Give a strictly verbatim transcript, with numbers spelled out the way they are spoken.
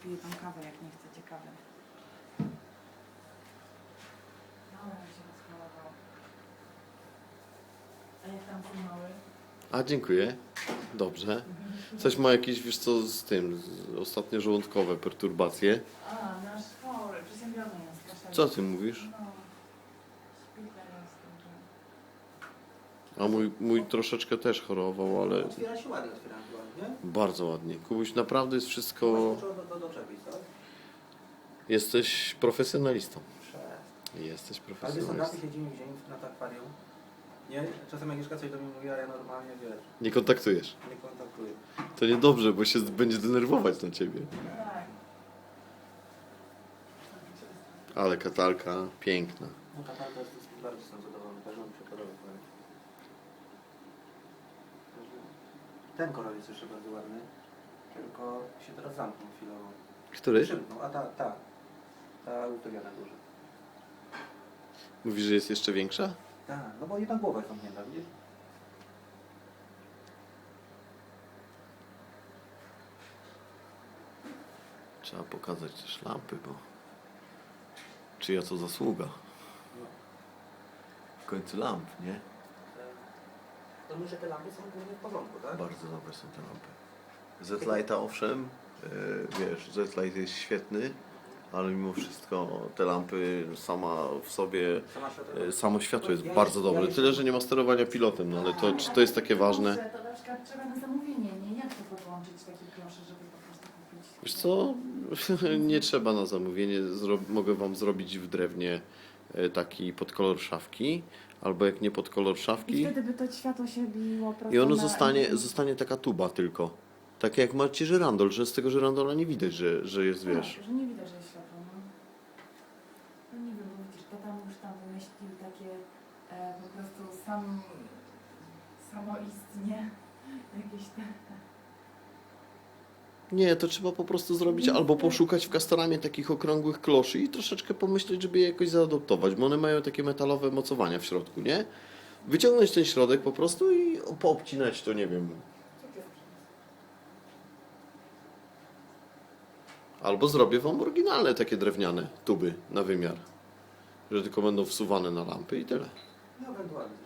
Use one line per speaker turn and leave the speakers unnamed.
pije tą kawę, jak nie chcecie kawy. No, jak się rozchorował. A jak tam są mały?
A, dziękuję. Dobrze. Coś ma jakieś, wiesz co, z tym, z, ostatnio żołądkowe perturbacje.
A, nasz chory, przeziębiony jest. Proszę.
Co ty mówisz?
No, szpital jest duży.
A mój, mój troszeczkę też chorował, ale
Otwiera się ładnie, otwiera się ładnie.
bardzo ładnie. Kubuś, naprawdę jest wszystko...
Trzeba do, do, doczepić, tak?
Jesteś profesjonalistą.
Prze.
Jesteś
Ale wiesz,
profesjonalistą.
na siedzimy w dzień na tak akwarium. Nie? Czasem Agnieszka coś do mnie mówi, a ja normalnie, wiesz,
Nie kontaktujesz.
nie kontaktuję.
To niedobrze, bo się będzie denerwować na ciebie.
Tak.
Ale katalka piękna.
No ta tarta jest, jest bardzo jestem zadowolony, też mi się podoba. powiem. Ten koral jest jeszcze bardzo ładny, tylko się teraz zamknął chwilowo.
Który?
Przymknął, a ta, ta, ta utopiona na górze.
Mówisz, że jest jeszcze większa?
Tak, no bo jedna głowa jest zamknięta, widzisz?
Trzeba pokazać też lampy, bo... Czyja to zasługa?
No.
W końcu lamp, nie?
To myślę, że te lampy są głównie w porządku, tak?
Bardzo dobre są te lampy. Z-Lighta owszem, yy, wiesz, Z-Light jest świetny, ale mimo wszystko te lampy sama w sobie,
Sama światło.
yy, samo światło jest
Ja
bardzo
jest- ja
dobre.
jest-
Tyle, że nie ma sterowania pilotem, no ale to, czy to jest takie ważne?
Kurczę, to na przykład trzeba na zamówienie, nie? Jak to podłączyć takie klosze, żeby po prostu kupić?
Wiesz co, nie trzeba na zamówienie, Zro mogę Wam zrobić w drewnie yy, taki pod kolor szafki, albo jak nie pod kolor
I
szafki
wtedy by to światło się biło prosto
i ono
na...
zostanie, zostanie taka tuba tylko. Tak jak macie żyrandol, że z tego żyrandola nie widać, że, że jest, wiesz...
Tak, że nie widać, że jest światło, no. No nie wiem, bo widzisz, to tam już tam wymyślił takie e, po prostu sam, samoistnie jakieś te...
Nie, to trzeba po prostu zrobić albo poszukać w Castoramie takich okrągłych kloszy i troszeczkę pomyśleć, żeby je jakoś zaadoptować, bo one mają takie metalowe mocowania w środku, nie? Wyciągnąć ten środek po prostu i poobcinać to, nie wiem. Albo zrobię Wam oryginalne takie drewniane tuby na wymiar, że tylko będą wsuwane na lampy i tyle.
No ewentualnie.